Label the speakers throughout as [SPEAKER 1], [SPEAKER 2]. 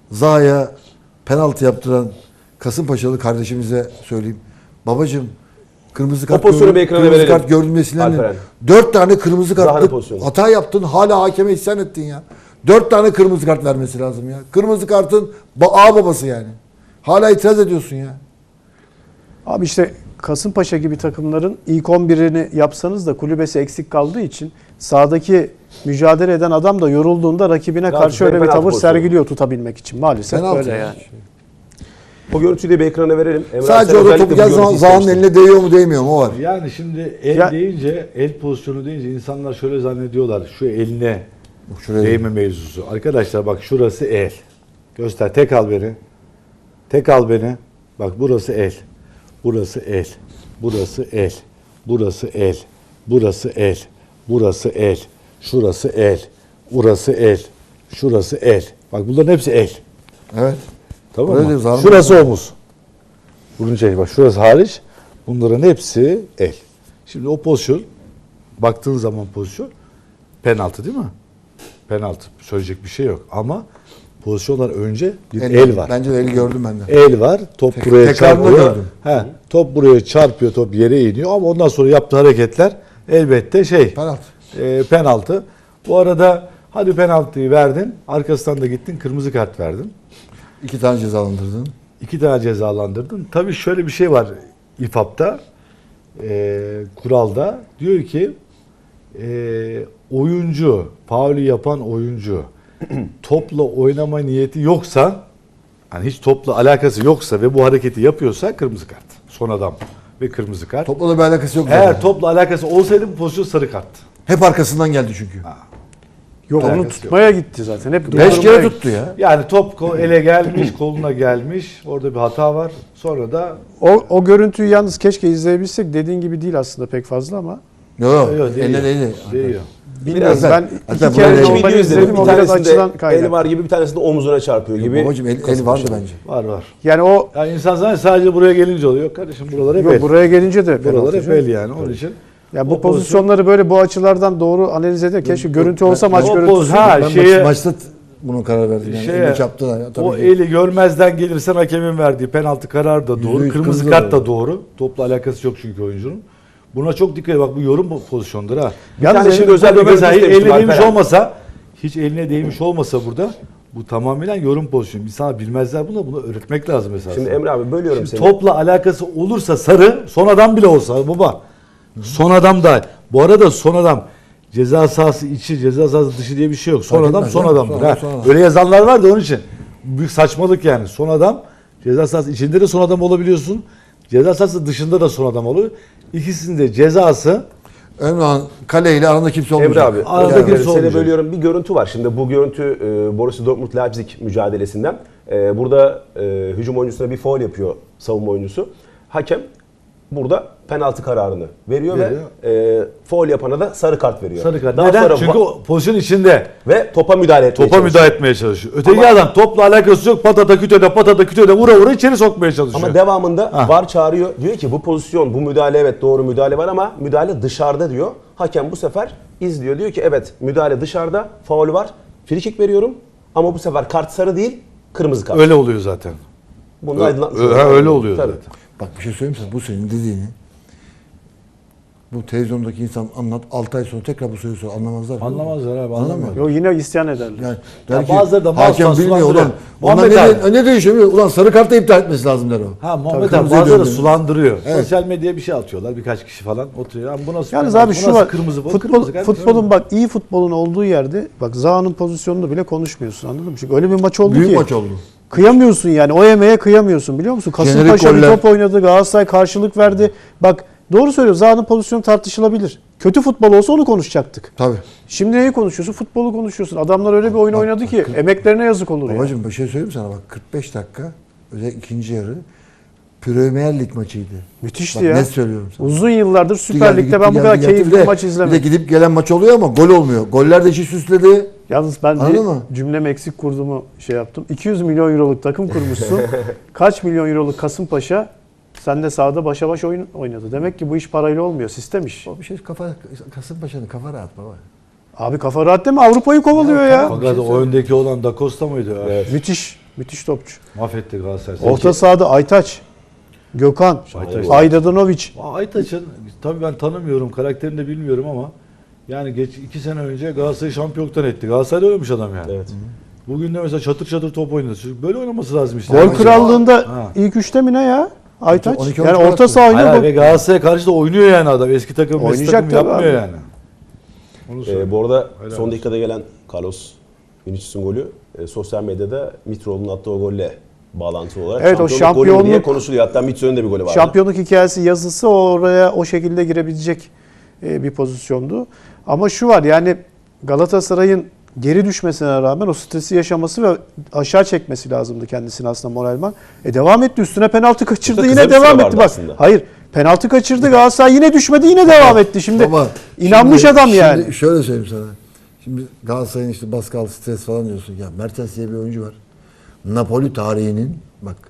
[SPEAKER 1] Zaha'ya penaltı yaptıran Kasımpaşalı kardeşimize söyleyeyim. Babacığım kırmızı kart,
[SPEAKER 2] pozisyonu bir ekrana
[SPEAKER 1] kırmızı
[SPEAKER 2] verelim.
[SPEAKER 1] kart gördürmesinden
[SPEAKER 2] Alperen.
[SPEAKER 1] 4 tane kırmızı
[SPEAKER 2] Zaha'nın
[SPEAKER 1] kartlık
[SPEAKER 2] pozisyonu.
[SPEAKER 1] hata yaptın. Hala hakeme isyan ettin ya. 4 tane kırmızı kart vermesi lazım ya. Kırmızı kartın ağ babası yani. Hala itiraz ediyorsun ya.
[SPEAKER 3] Abi işte Kasımpaşa gibi takımların ilk 11'ini yapsanız da kulübesi eksik kaldığı için sahadaki mücadele eden adam da yorulduğunda rakibine karşı öyle bir
[SPEAKER 2] penaltı
[SPEAKER 3] tavır
[SPEAKER 2] pozisyonu.
[SPEAKER 3] sergiliyor tutabilmek için. Maalesef
[SPEAKER 1] Penaltı
[SPEAKER 3] böyle
[SPEAKER 1] ya.
[SPEAKER 3] yani.
[SPEAKER 2] O görüntüyü de bir ekrana verelim. Emre
[SPEAKER 1] Sadece
[SPEAKER 2] Arslan
[SPEAKER 1] orada
[SPEAKER 2] özellikle
[SPEAKER 1] topu
[SPEAKER 2] bu
[SPEAKER 1] gel
[SPEAKER 2] görüntüyü
[SPEAKER 1] Zaha'nın
[SPEAKER 2] istemişti.
[SPEAKER 1] eline değiyor mu değmiyor mu o var.
[SPEAKER 4] Yani şimdi el
[SPEAKER 3] Ya-
[SPEAKER 4] deyince, el pozisyonu deyince insanlar şöyle zannediyorlar. Şu eline
[SPEAKER 1] Şuraya
[SPEAKER 4] değme mevzusu. Arkadaşlar bak şurası el. Göster. Tek al beni. Tek al beni. Bak burası el. Burası el. Burası el. Burası el. Burası el. Burası el. Şurası el. Burası el. Şurası el. Bak bunların hepsi el.
[SPEAKER 1] Evet.
[SPEAKER 4] Tamam
[SPEAKER 1] Öyle
[SPEAKER 4] mı?
[SPEAKER 1] diyoruz, anladın
[SPEAKER 4] Şurası omuz. Bunun şey bak şurası hariç. Bunların hepsi el. Şimdi o pozisyon baktığın zaman pozisyon penaltı değil mi? Penaltı. Söyleyecek bir şey yok ama pozisyonlar önce bir el var.
[SPEAKER 1] Bence de el gördüm ben de.
[SPEAKER 4] El var. Top buraya
[SPEAKER 1] tekrarını
[SPEAKER 4] çarpıyor.
[SPEAKER 1] gördüm.
[SPEAKER 4] He, top buraya çarpıyor. Top yere iniyor ama ondan sonra yaptığı hareketler elbette
[SPEAKER 1] Penaltı.
[SPEAKER 4] penaltı. Bu arada hadi penaltıyı verdin. Arkasından da gittin kırmızı kart verdin.
[SPEAKER 1] 2 tane cezalandırdın.
[SPEAKER 4] 2 tane cezalandırdın. Tabii şöyle bir şey var İFAB'da, kuralda. Diyor ki oyuncu, faulü yapan oyuncu topla oynama niyeti yoksa, hani hiç topla alakası yoksa ve bu hareketi yapıyorsa kırmızı kart. Son adam ve kırmızı kart.
[SPEAKER 1] Topla da bir alakası yok.
[SPEAKER 4] Eğer
[SPEAKER 1] zaten.
[SPEAKER 4] topla alakası olsaydı bu pozisyon sarı karttı.
[SPEAKER 1] Hep arkasından geldi çünkü.
[SPEAKER 3] Yok
[SPEAKER 4] Alakası
[SPEAKER 3] onu
[SPEAKER 4] yok.
[SPEAKER 3] tutmaya gitti zaten. Hep
[SPEAKER 1] 5
[SPEAKER 3] durdurmaya
[SPEAKER 1] kere
[SPEAKER 3] gitti.
[SPEAKER 1] tuttu ya.
[SPEAKER 4] Yani top ele gelmiş, koluna gelmiş. Orada bir hata var. Sonra da
[SPEAKER 3] O görüntüyü yalnız keşke izleyebilsek. Dediğin gibi değil aslında pek fazla ama.
[SPEAKER 1] Yok.
[SPEAKER 4] Değiyor.
[SPEAKER 1] Eline değdi.
[SPEAKER 4] değiyor.
[SPEAKER 3] Bilmiyorum
[SPEAKER 1] Biraz-
[SPEAKER 3] ben
[SPEAKER 1] Hatta
[SPEAKER 3] iki kere
[SPEAKER 1] buraya-
[SPEAKER 3] de
[SPEAKER 2] İki
[SPEAKER 3] onları
[SPEAKER 2] video izledim.
[SPEAKER 3] izledim.
[SPEAKER 2] Bir
[SPEAKER 3] O biraz
[SPEAKER 2] tanesinde
[SPEAKER 3] açıdan
[SPEAKER 2] eli
[SPEAKER 3] kaynak.
[SPEAKER 2] var gibi, bir tanesinde omuzuna çarpıyor gibi.
[SPEAKER 1] Babacım el vardı bence.
[SPEAKER 4] Var.
[SPEAKER 3] Yani o
[SPEAKER 4] Yani insan sadece buraya gelince oluyor. Yok kardeşim buralar hep el.
[SPEAKER 3] yok, buraya gelince de
[SPEAKER 4] Buralar
[SPEAKER 3] penaltı
[SPEAKER 4] hep
[SPEAKER 3] canım.
[SPEAKER 4] el yani. Onun için
[SPEAKER 3] Ya bu
[SPEAKER 4] o pozisyon-
[SPEAKER 3] pozisyonları böyle bu açılardan doğru analiz ediyor. Keşke görüntü olsa maç
[SPEAKER 4] o
[SPEAKER 3] görüntüsü.
[SPEAKER 4] pozisyon- Ha,
[SPEAKER 1] Ben
[SPEAKER 4] şeye-
[SPEAKER 1] maçta bunun karar verdim. Yani.
[SPEAKER 4] Şeye-
[SPEAKER 1] Eline çarptılar ya. Tabii
[SPEAKER 4] o
[SPEAKER 1] ki.
[SPEAKER 4] eli görmezden gelirsen hakemin verdiği penaltı kararı da doğru.
[SPEAKER 1] %100
[SPEAKER 4] Kırmızı
[SPEAKER 1] kırmızı
[SPEAKER 4] kart
[SPEAKER 1] da
[SPEAKER 4] da doğru. Topla alakası yok çünkü oyuncunun. Buna çok dikkat et. Bak bu yorum pozisyondur ha.
[SPEAKER 3] Yalnız
[SPEAKER 4] Yani
[SPEAKER 2] şimdi özel bir
[SPEAKER 4] burada mesela hiç
[SPEAKER 2] görüntü
[SPEAKER 4] eline
[SPEAKER 2] istemiştim
[SPEAKER 4] değmiş
[SPEAKER 2] Alperen.
[SPEAKER 4] olmasa, hiç eline değmiş olmasa burada bu tamamen yorum pozisyonu. İnsanlar bilmezler bunu öğretmek lazım mesela.
[SPEAKER 2] Şimdi Emre abi bölüyorum
[SPEAKER 4] Şimdi
[SPEAKER 2] seni.
[SPEAKER 4] topla alakası olursa sarı, son adam bile olsa baba. Son adam da. Bu arada son adam ceza sahası içi, ceza sahası dışı diye bir şey yok. Son
[SPEAKER 1] Fark
[SPEAKER 4] adam
[SPEAKER 1] etmez
[SPEAKER 4] son
[SPEAKER 1] ya.
[SPEAKER 4] adamdır.
[SPEAKER 1] Son
[SPEAKER 4] Ha.
[SPEAKER 1] adam, son adam.
[SPEAKER 4] Öyle yazanlar var da onun için. Büyük saçmalık yani. Son adam ceza sahası içinde de son adam olabiliyorsun. Ceza sahası dışında da son adam oluyor. İkisinin de cezası
[SPEAKER 1] Önemli olan kaleyle aranda kimse olmayacak.
[SPEAKER 2] Emre abi,
[SPEAKER 4] Arada
[SPEAKER 2] özür dilerim,
[SPEAKER 4] kimse
[SPEAKER 2] seni
[SPEAKER 4] olmayacak.
[SPEAKER 2] bölüyorum. Bir görüntü var. Şimdi bu görüntü Borussia Dortmund-Leipzig mücadelesinden. Burada hücum oyuncusuna bir faul yapıyor savunma oyuncusu. Hakem burada penaltı kararını veriyor ve faul yapana da sarı kart veriyor.
[SPEAKER 4] sarı kart.
[SPEAKER 2] Daha
[SPEAKER 4] Neden?
[SPEAKER 2] sonra
[SPEAKER 4] Çünkü o pozisyon içinde.
[SPEAKER 2] ve topa müdahale etmeye
[SPEAKER 4] Topa
[SPEAKER 2] çalışıyor.
[SPEAKER 4] müdahale etmeye çalışıyor. Öteki adam topla alakası yok. Patata kütöde vura vura içeri sokmaya çalışıyor.
[SPEAKER 2] Ama devamında
[SPEAKER 4] Ha.
[SPEAKER 2] VAR çağırıyor. Diyor ki bu pozisyon, bu müdahale evet doğru müdahale var ama müdahale dışarıda diyor. Hakem bu sefer izliyor. Diyor ki evet müdahale dışarıda, faul var. Frikik veriyorum ama bu sefer kart sarı değil, kırmızı kart.
[SPEAKER 4] Öyle oluyor zaten.
[SPEAKER 2] Bunu aydınlatmış
[SPEAKER 4] Ha,
[SPEAKER 2] olalım.
[SPEAKER 4] öyle oluyor
[SPEAKER 2] Tabii.
[SPEAKER 4] zaten.
[SPEAKER 1] Bak bir şey söyleyeyim sana. Bu senin dediğini bu televizyondaki insan anlat 6 ay sonra tekrar bu soruyu sor. Anlamazlar.
[SPEAKER 4] Anlamazlar abi, anlamıyor.
[SPEAKER 3] Yok yine isyan ederler.
[SPEAKER 1] Yani
[SPEAKER 4] Ya
[SPEAKER 1] der ki,
[SPEAKER 4] bazıları da
[SPEAKER 1] hakem
[SPEAKER 4] mouse'dan
[SPEAKER 1] bilmiyor
[SPEAKER 4] sulandırıyor.
[SPEAKER 1] ulan. Onlar
[SPEAKER 4] Muhammed
[SPEAKER 1] ne değişiyor? Ulan sarı kartı iptal etmesi lazım der o.
[SPEAKER 4] Ha Muhammed
[SPEAKER 1] Tabii
[SPEAKER 4] abi
[SPEAKER 1] kırmızıya
[SPEAKER 4] bazıları
[SPEAKER 1] döndü.
[SPEAKER 4] sulandırıyor.
[SPEAKER 1] Evet.
[SPEAKER 4] Sosyal medyaya bir şey atıyorlar. Birkaç kişi falan oturuyor. Ama bu nasıl
[SPEAKER 3] Yalnız
[SPEAKER 4] penaltı,
[SPEAKER 3] abi
[SPEAKER 4] bu
[SPEAKER 3] şu
[SPEAKER 4] nasıl
[SPEAKER 3] var.
[SPEAKER 4] kırmızı, bu kırmızı kart.
[SPEAKER 3] Futbolun bak iyi futbolun olduğu yerde bak Zaha'nın pozisyonunu bile konuşmuyorsun anladın mı? Çünkü öyle bir maç oldu
[SPEAKER 1] Büyük
[SPEAKER 3] ki.
[SPEAKER 1] maç oldu.
[SPEAKER 3] Kıyamıyorsun yani. O emeğe kıyamıyorsun biliyor musun?
[SPEAKER 1] Jenerik
[SPEAKER 3] Kasımpaşa bir
[SPEAKER 1] goller.
[SPEAKER 3] top oynadı. Galatasaray karşılık verdi. Bak doğru söylüyor. Zaha'nın pozisyonu tartışılabilir. Kötü futbol olsa onu konuşacaktık.
[SPEAKER 1] Tabii.
[SPEAKER 3] Şimdi neyi konuşuyorsun? Futbolu konuşuyorsun. Adamlar öyle bir oyun oynadı ki emeklerine yazık olur ya.
[SPEAKER 1] Babacığım bir şey söyleyeyim sana bak 45 dakika özellikle ikinci yarı Premier Lig maçıydı.
[SPEAKER 3] Müthişti
[SPEAKER 1] Bak,
[SPEAKER 3] ya.
[SPEAKER 1] net söylüyorum sana.
[SPEAKER 3] Uzun yıllardır Süper
[SPEAKER 1] Gitti,
[SPEAKER 3] Lig'de ben bu kadar
[SPEAKER 1] geldi,
[SPEAKER 3] keyifli
[SPEAKER 1] bir de-
[SPEAKER 3] maç
[SPEAKER 1] Bir de
[SPEAKER 3] izlemedim.
[SPEAKER 1] gidip gelen maç oluyor ama gol olmuyor. Goller de işi süsledi.
[SPEAKER 3] Yalnız ben
[SPEAKER 1] Anladın mı?
[SPEAKER 3] bir cümlem eksik kurduğumu şey yaptım. 200 milyon euroluk takım kurmuşsun. Kaç milyon euroluk Kasımpaşa sen de sahada başa baş oyun oynadı. Demek ki bu iş parayla olmuyor. Sistem iş.
[SPEAKER 1] O bir şey Kasımpaşa'nın kafa rahat baba.
[SPEAKER 3] Abi kafa rahat değil mi? Avrupa'yı kovalıyor ya.
[SPEAKER 4] Fakat o öndeki olan Da Costa mıydı?
[SPEAKER 2] Evet.
[SPEAKER 3] Müthiş. Müthiş topçu.
[SPEAKER 4] Mahvetti Galatasaray.
[SPEAKER 3] Orta sahada Aytaç, Gökhan,
[SPEAKER 4] Aytaç.
[SPEAKER 3] Aydadanoviç.
[SPEAKER 4] Aytaç'ın tabii ben tanımıyorum, karakterini de bilmiyorum ama yani 2 sene önce Galatasaray'ı şampiyonluktan etti. Galatasaray'da oynamış adam yani.
[SPEAKER 2] Evet.
[SPEAKER 4] Bugün de mesela çatır çatır top oynadı. Böyle oynaması lazım işte.
[SPEAKER 3] Gol
[SPEAKER 4] Yani-
[SPEAKER 3] krallığında
[SPEAKER 4] Ha.
[SPEAKER 3] ilk üçte mi ne ya? Aytaç.
[SPEAKER 1] 12
[SPEAKER 3] Yani
[SPEAKER 1] gol
[SPEAKER 3] orta
[SPEAKER 1] attı.
[SPEAKER 3] saha oynuyor.
[SPEAKER 4] Hayır,
[SPEAKER 3] gol-
[SPEAKER 4] ve Galatasaray'a karşı da oynuyor yani adam. Eski takım, eski
[SPEAKER 3] Oynayacak
[SPEAKER 4] takım
[SPEAKER 3] tabii
[SPEAKER 4] yapmıyor
[SPEAKER 3] abi.
[SPEAKER 4] yani. Onu söyleyeyim.
[SPEAKER 2] Bu arada
[SPEAKER 4] Helal
[SPEAKER 2] son
[SPEAKER 4] olsun.
[SPEAKER 2] dakikada gelen Carlos Vinicius'un golü sosyal medyada Mitroğlu'nun attığı o golle bağlantılı olarak
[SPEAKER 3] Evet, o
[SPEAKER 2] golü mü diye
[SPEAKER 3] şampiyonluk-
[SPEAKER 2] konuşuluyor. Hatta Mitroğlu'nun da bir golü vardı.
[SPEAKER 3] Şampiyonluk hikayesi yazısı oraya o şekilde girebilecek bir pozisyondu. Ama şu var yani Galatasaray'ın geri düşmesine rağmen o stresi yaşaması ve aşağı çekmesi lazımdı kendisini aslında moralman. Devam etti, üstüne penaltı kaçırdı,
[SPEAKER 2] Kısa
[SPEAKER 3] yine
[SPEAKER 2] bir süre
[SPEAKER 3] devam
[SPEAKER 2] vardı
[SPEAKER 3] etti. Bak,
[SPEAKER 2] aslında.
[SPEAKER 3] hayır, penaltı kaçırdı, Galatasaray yine düşmedi, yine devam etti. Şimdi
[SPEAKER 1] Ama
[SPEAKER 3] inanmış
[SPEAKER 1] şimdi-
[SPEAKER 3] adam yani.
[SPEAKER 1] Şimdi şöyle söyleyeyim sana. Şimdi Galatasaray'ın işte baskı altı stres falan diyorsun. Ya Mertens diye bir oyuncu var. Napoli tarihinin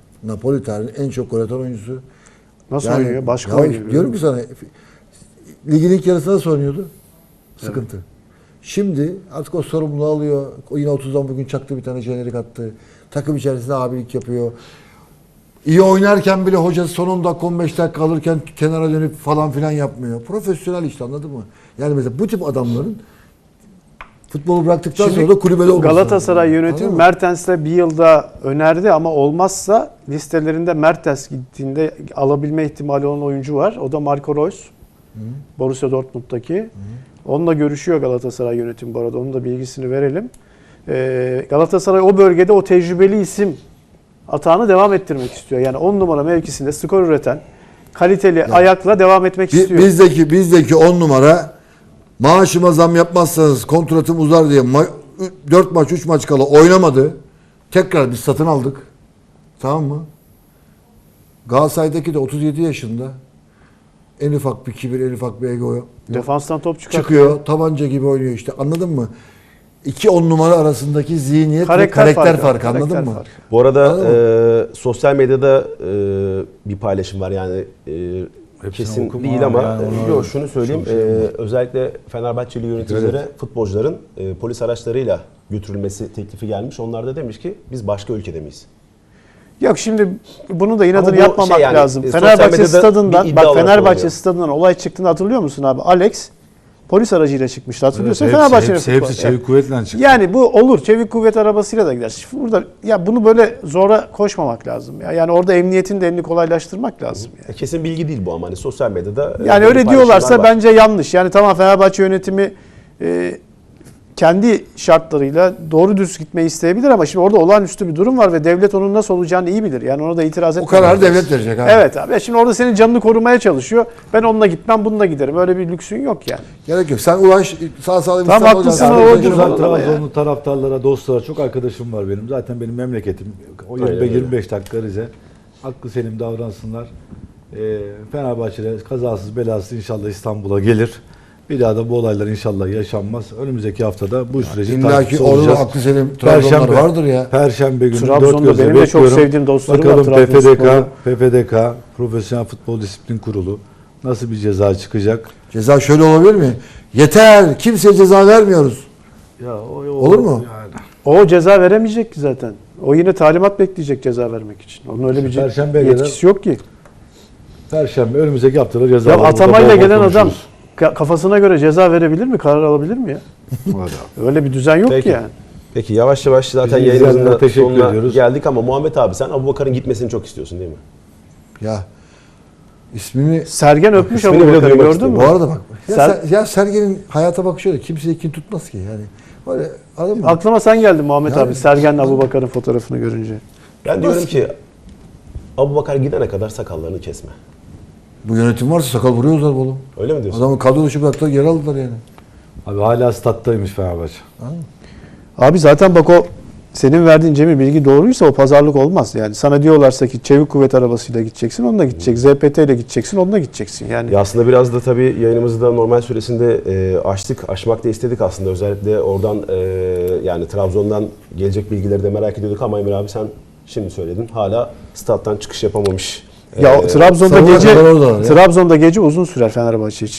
[SPEAKER 1] en çok gol atan oyuncusu.
[SPEAKER 3] Nasıl
[SPEAKER 1] Yani-
[SPEAKER 3] oynuyor? Başka
[SPEAKER 1] ya
[SPEAKER 3] oynuyor.
[SPEAKER 1] diyorum ki sana ligin ilk yarısında nasıl oynuyordu? Sıkıntı. Şimdi artık o sorumluluğu alıyor. O yine 30'dan bugün çaktı, bir tane jenerik attı. Takım içerisinde abilik yapıyor. İyi oynarken bile hocası son 10 dakika 15 dakika alırken kenara dönüp falan filan yapmıyor. Profesyonel işte, anladın mı? Yani mesela bu tip adamların futbolu bıraktıktan
[SPEAKER 3] Şimdi
[SPEAKER 1] sonra da kulübede olması
[SPEAKER 3] Galatasaray
[SPEAKER 1] lazım.
[SPEAKER 3] yönetimi
[SPEAKER 1] Anladın mı?
[SPEAKER 3] Mertens'le bir yılda önerdi ama olmazsa listelerinde Mertens gittiğinde alabilme ihtimali olan oyuncu var. O da Marco Reus. Borussia Dortmund'daki. Onunla görüşüyor Galatasaray yönetimi bu arada. Onun da bilgisini verelim. Galatasaray o bölgede o tecrübeli isim atağını devam ettirmek istiyor. Yani 10 numara mevkisinde skor üreten, kaliteli ayakla devam etmek istiyor.
[SPEAKER 1] Bizdeki 10 numara, maaşıma zam yapmazsanız kontratım uzar diye 4 maç 3 maç kala oynamadı. Tekrar biz satın aldık. Tamam mı? Galatasaray'daki de 37 yaşında. En ufak bir kibir, en ufak bir ego
[SPEAKER 3] Defanstan top çıkartıyor.
[SPEAKER 1] çıkıyor. Tabanca gibi oynuyor işte. Anladın mı? 2 10 numara arasındaki zihniyet ve karakter farkı, anladın
[SPEAKER 3] karakter
[SPEAKER 1] mı?
[SPEAKER 3] farkı.
[SPEAKER 2] Bu arada
[SPEAKER 1] Anladın
[SPEAKER 2] sosyal medyada bir paylaşım var yani
[SPEAKER 4] Hepsini
[SPEAKER 2] kesin
[SPEAKER 4] okuma
[SPEAKER 2] değil ama
[SPEAKER 4] yani ona-
[SPEAKER 2] yok, şunu söyleyeyim,
[SPEAKER 4] Çok şey var.
[SPEAKER 2] özellikle Fenerbahçeli yöneticilere
[SPEAKER 4] Evet.
[SPEAKER 2] futbolcuların polis araçlarıyla götürülmesi teklifi gelmiş. Onlar da demiş ki biz başka ülkede miyiz?
[SPEAKER 3] Yok şimdi bunu da
[SPEAKER 2] Ama
[SPEAKER 3] inadını
[SPEAKER 2] bu
[SPEAKER 3] yapmamak
[SPEAKER 2] şey yani,
[SPEAKER 3] lazım.
[SPEAKER 2] sosyal
[SPEAKER 3] Fenerbahçe
[SPEAKER 2] medyada
[SPEAKER 3] stadından,
[SPEAKER 2] bir iddia
[SPEAKER 3] bak
[SPEAKER 2] olarak
[SPEAKER 3] Fenerbahçe
[SPEAKER 2] oluyor.
[SPEAKER 3] stadından olay çıktığını hatırlıyor musun abi? Alex polis aracıyla çıkmıştı, hatırlıyorsun.
[SPEAKER 4] Evet,
[SPEAKER 3] Fenerbahçe'nin
[SPEAKER 4] hepsi
[SPEAKER 3] futbolu.
[SPEAKER 4] çevik kuvvetle çıktı.
[SPEAKER 3] Yani bu olur. Çevik kuvvet arabasıyla da gider. Şimdi burada ya bunu böyle zora koşmamak lazım ya. Yani orada emniyetin de elini kolaylaştırmak lazım yani.
[SPEAKER 2] Kesin bilgi değil bu ama hani sosyal medyada
[SPEAKER 3] Yani
[SPEAKER 2] böyle
[SPEAKER 3] öyle
[SPEAKER 2] paylaşımlar
[SPEAKER 3] diyorlarsa
[SPEAKER 2] var.
[SPEAKER 3] bence yanlış. Yani tamam, Fenerbahçe yönetimi kendi şartlarıyla doğru dürüst gitmeyi isteyebilir ama şimdi orada olağanüstü bir durum var ve devlet onun nasıl olacağını iyi bilir. Yani ona da itiraz
[SPEAKER 1] O
[SPEAKER 3] etmemek
[SPEAKER 1] kararı
[SPEAKER 3] lazım.
[SPEAKER 1] devlet verecek abi.
[SPEAKER 3] Evet abi. Ya şimdi orada senin canını korumaya çalışıyor. Ben onunla gitmem, bununla giderim. Öyle bir lüksün yok yani.
[SPEAKER 1] Gerek yok. Sen ulaş sağ salim
[SPEAKER 3] Tamam,
[SPEAKER 1] İstanbul'a
[SPEAKER 3] haklısın,
[SPEAKER 1] gel.
[SPEAKER 3] o
[SPEAKER 1] Sen-
[SPEAKER 3] ucuz
[SPEAKER 4] Güzel
[SPEAKER 3] olan ama
[SPEAKER 4] Trabzonlu taraftarlara, dostlara çok arkadaşım var benim. Zaten benim memleketim. O
[SPEAKER 2] Aynen öyle.
[SPEAKER 4] 25 dakika Rize. Hakkı selim davransınlar. Fenerbahçe'de kazasız belasız inşallah İstanbul'a gelir. Bir daha da bu olaylar inşallah yaşanmaz. Önümüzdeki haftada bu süreci
[SPEAKER 1] İlla ki
[SPEAKER 4] takipçisi
[SPEAKER 1] orada
[SPEAKER 4] olacağız.
[SPEAKER 1] aklı selim Trabzonlar vardır ya.
[SPEAKER 4] Perşembe günü
[SPEAKER 3] Trabzon'da
[SPEAKER 4] dört gözle
[SPEAKER 3] benim de çok
[SPEAKER 4] bekliyorum.
[SPEAKER 3] sevdiğim dostlarım var
[SPEAKER 4] Bakalım
[SPEAKER 3] Trabzonspor'da.
[SPEAKER 4] PFDK, Profesyonel Futbol Disiplin Kurulu nasıl bir ceza çıkacak?
[SPEAKER 1] Ceza şöyle olabilir mi? Yeter, kimseye ceza vermiyoruz.
[SPEAKER 4] Ya
[SPEAKER 1] Olur mu?
[SPEAKER 4] Yani.
[SPEAKER 3] O ceza veremeyecek ki zaten. O yine talimat bekleyecek ceza vermek için. Onun öyle bir
[SPEAKER 4] Perşembeye
[SPEAKER 3] yetkisi yok ki.
[SPEAKER 4] Perşembe önümüzdeki haftada ceza
[SPEAKER 3] Ya
[SPEAKER 4] var.
[SPEAKER 3] atamayla
[SPEAKER 4] Burada bol bol
[SPEAKER 3] gelen adam
[SPEAKER 4] konuşuruz.
[SPEAKER 3] kafasına göre ceza verebilir mi? Karar alabilir mi ya?
[SPEAKER 4] Hadi.
[SPEAKER 3] Öyle bir düzen yok
[SPEAKER 2] Peki.
[SPEAKER 3] ki yani.
[SPEAKER 2] Peki yavaş yavaş zaten
[SPEAKER 4] Bizi
[SPEAKER 2] yayınımızın
[SPEAKER 4] izleyenlere
[SPEAKER 2] da
[SPEAKER 4] teşekkür
[SPEAKER 2] sonuna
[SPEAKER 4] ediyoruz.
[SPEAKER 2] geldik ama Muhammed abi sen Abubakar'ın gitmesini çok istiyorsun değil mi?
[SPEAKER 1] Ya ismini
[SPEAKER 3] Sergen öpmüş
[SPEAKER 2] ismini bile
[SPEAKER 3] Abubakar'ı,
[SPEAKER 2] duymak
[SPEAKER 3] gördün mü?
[SPEAKER 1] bu arada bak. Ya,
[SPEAKER 3] Ser-
[SPEAKER 1] Sergen'in hayata bakışı öyle. Kimseyi kin tutmaz ki yani. Böyle anladın mı?
[SPEAKER 3] Aklıma sen geldin Muhammed
[SPEAKER 1] Yani-
[SPEAKER 3] abi. Sergen'le Abubakar'ın fotoğrafını görünce.
[SPEAKER 2] Ben diyorum ki Abubakar gidene kadar sakallarını kesme.
[SPEAKER 1] Bu yönetim varsa sakal vuruyorlar oğlum.
[SPEAKER 2] Öyle mi diyorsun?
[SPEAKER 1] Adamı kadro dışı bıraktılar, geri aldılar yani.
[SPEAKER 4] Abi hala stat'taymış Fenerbahçe.
[SPEAKER 3] Abi zaten bak, o senin verdiğin Cemil bilgi doğruysa o pazarlık olmaz. Yani sana diyorlarsa ki çevik kuvvet arabasıyla gideceksin, onunla gidecek. ZPT ile gideceksin, onunla gideceksin. Yani
[SPEAKER 2] Ya aslında biraz da tabii yayınımızı da normal süresinde aşmak da istedik aslında. Özellikle oradan yani Trabzon'dan gelecek bilgileri de merak ediyorduk ama Emir abi sen şimdi söyledin. Hala stat'tan çıkış yapamamış.
[SPEAKER 3] ya Trabzon'da
[SPEAKER 1] Sabahına
[SPEAKER 3] gece
[SPEAKER 1] kadar oradalar ya.
[SPEAKER 3] Trabzon'da gece uzun sürer Fenerbahçe için.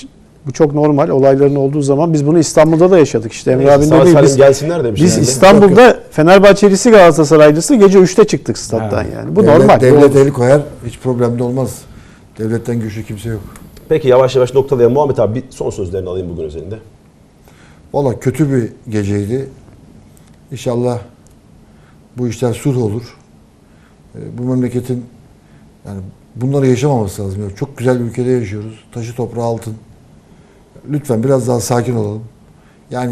[SPEAKER 3] Bu çok normal. Olayların olduğu zaman biz bunu İstanbul'da da yaşadık. İşte Emre
[SPEAKER 2] Neyse,
[SPEAKER 3] abinin
[SPEAKER 2] sağ
[SPEAKER 3] dediği
[SPEAKER 2] salim
[SPEAKER 3] biz,
[SPEAKER 2] gelsinler demiş
[SPEAKER 3] biz
[SPEAKER 2] herhalde.
[SPEAKER 3] İstanbul'da Fenerbahçelisi Galatasaraylısı gece 3'te çıktık stat'tan yani. Bu normal.
[SPEAKER 1] Devlet
[SPEAKER 3] Bu-
[SPEAKER 1] el koyar. Hiç problem de olmaz. Devletten güçlü kimse yok.
[SPEAKER 2] Peki yavaş yavaş noktalayalım. Muhammed abi bir son sözlerini alayım bugün özelinde.
[SPEAKER 1] Valla kötü bir geceydi. İnşallah bu işler sulh olur. Bu memleketin yani bunları yaşamaması lazım. Yani çok güzel bir ülkede yaşıyoruz. Taşı toprağı altın. Lütfen biraz daha sakin olalım. Yani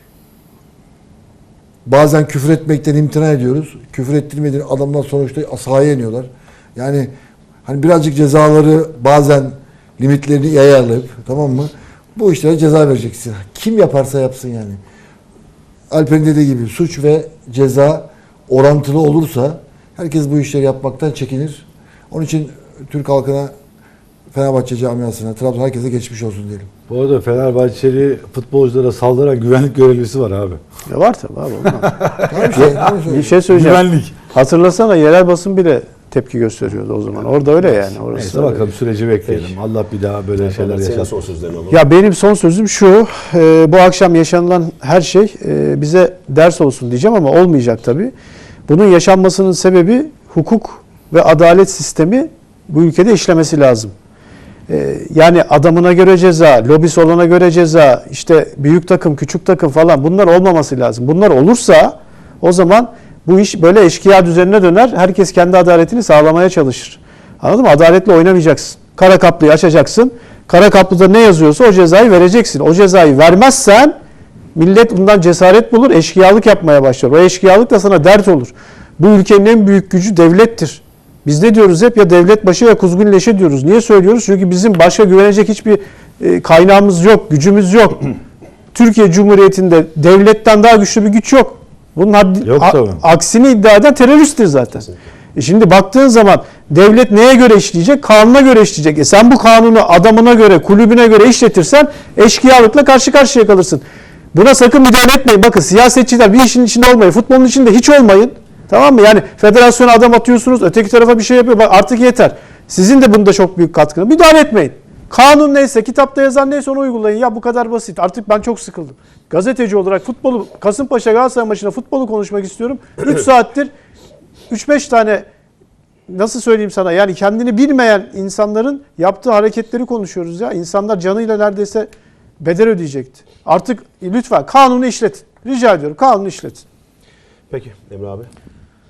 [SPEAKER 1] bazen küfür etmekten imtina ediyoruz. Küfür ettirmediğin adamdan sonuçta sahaya iniyorlar. Yani hani birazcık cezaları bazen limitlerini iyi ayarlayıp, tamam mı? Bu işlere ceza vereceksin. Kim yaparsa yapsın yani. Alper'in dediği gibi suç ve ceza orantılı olursa herkes bu işleri yapmaktan çekinir. Onun için Türk halkına, Fenerbahçe camiasına, Trabzon herkese geçmiş olsun diyelim.
[SPEAKER 4] Bu arada Fenerbahçeli futbolculara saldıran güvenlik görevlisi var abi.
[SPEAKER 3] Ya var tabii abi. olmaz.
[SPEAKER 1] Tamam
[SPEAKER 3] Bir şey söyleyeceğim.
[SPEAKER 4] Güvenlik.
[SPEAKER 3] Hatırlasana yerel basın bile tepki gösteriyordu o zaman. Orada öyle yani. Orası
[SPEAKER 4] Neyse
[SPEAKER 3] öyle.
[SPEAKER 4] bakalım süreci bekleyelim. Allah bir daha böyle şeyler
[SPEAKER 2] Senin
[SPEAKER 4] yaşatmasın.
[SPEAKER 2] son sözlerini alalım.
[SPEAKER 3] Ya benim son sözüm şu, bu akşam yaşanılan her şey bize ders olsun diyeceğim ama olmayacak tabii. Bunun yaşanmasının sebebi hukuk ve adalet sistemi bu ülkede işlemesi lazım. Yani adamına göre ceza, lobisi olana göre ceza, işte büyük takım, küçük takım falan bunlar olmaması lazım. Bunlar olursa o zaman bu iş böyle eşkıya düzenine döner. Herkes kendi adaletini sağlamaya çalışır. Anladın mı? Adaletle oynamayacaksın. Kara kaplıyı açacaksın. Kara kaplıda ne yazıyorsa o cezayı vereceksin. O cezayı vermezsen millet bundan cesaret bulur, eşkıyalık yapmaya başlar. O eşkıyalık da sana dert olur. Bu ülkenin en büyük gücü devlettir. Biz ne diyoruz hep? Ya devlet başı ya kuzgun leşi diyoruz. Niye söylüyoruz? Çünkü bizim başka güvenecek hiçbir kaynağımız yok, gücümüz yok. Türkiye Cumhuriyeti'nde devletten daha güçlü bir güç yok. Bunun
[SPEAKER 4] Yok tabii.
[SPEAKER 3] aksini iddia eden teröristtir zaten. Şimdi baktığın zaman devlet neye göre işleyecek? Kanuna göre işleyecek. Sen bu kanunu adamına göre, kulübüne göre işletirsen eşkıyalıkla karşı karşıya kalırsın. Buna sakın müdahale etmeyin. Bakın siyasetçiler bir işin içinde olmayın. Futbolun içinde hiç olmayın. Tamam mı? Yani federasyona adam atıyorsunuz, öteki tarafa bir şey yapıyor. Bak artık yeter. Sizin de bunda çok büyük katkınız. Müdahale etmeyin. Kanun neyse, kitapta yazan neyse onu uygulayın. Ya bu kadar basit. Artık ben çok sıkıldım. Gazeteci olarak futbolu, Kasımpaşa Galatasaray maçında futbolu konuşmak istiyorum. 3 saattir 3-5 tane nasıl söyleyeyim sana yani kendini bilmeyen insanların yaptığı hareketleri konuşuyoruz ya. İnsanlar canıyla neredeyse bedel ödeyecekti. Artık lütfen kanunu işletin. Rica ediyorum kanunu işletin.
[SPEAKER 2] Peki Emre abi.